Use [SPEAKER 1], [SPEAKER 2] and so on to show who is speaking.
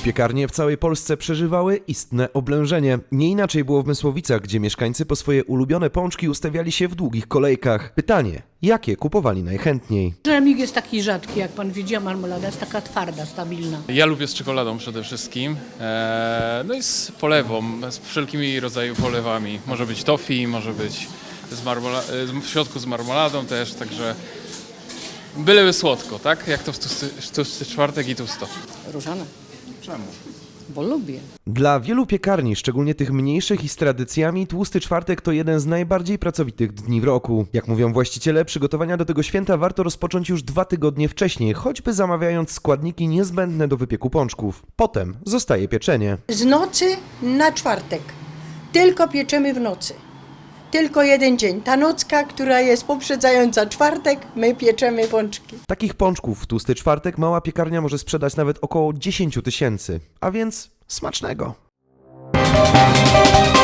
[SPEAKER 1] Piekarnie w całej Polsce przeżywały istne oblężenie. Nie inaczej było w Mysłowicach, gdzie mieszkańcy po swoje ulubione pączki ustawiali się w długich kolejkach. Pytanie, jakie kupowali najchętniej?
[SPEAKER 2] Żemik jest taki rzadki, jak pan widzi, a marmolada jest taka twarda, stabilna.
[SPEAKER 3] Ja lubię z czekoladą przede wszystkim, no i z polewą, z wszelkimi rodzajami polewami. Może być toffee, może być w środku z marmoladą też, także byleby słodko, tak? Jak to w tłusty czwartek i tłusto.
[SPEAKER 2] Różane.
[SPEAKER 3] Czemu?
[SPEAKER 2] Bo lubię.
[SPEAKER 1] Dla wielu piekarni, szczególnie tych mniejszych i z tradycjami, Tłusty Czwartek to jeden z najbardziej pracowitych dni w roku. Jak mówią właściciele, przygotowania do tego święta warto rozpocząć już 2 tygodnie wcześniej, choćby zamawiając składniki niezbędne do wypieku pączków. Potem zostaje pieczenie.
[SPEAKER 4] Z nocy na czwartek. Tylko pieczemy w nocy. Tylko jeden dzień. Ta nocka, która jest poprzedzająca czwartek, my pieczemy pączki.
[SPEAKER 1] Takich pączków w Tłusty Czwartek mała piekarnia może sprzedać nawet około 10 000, a więc smacznego!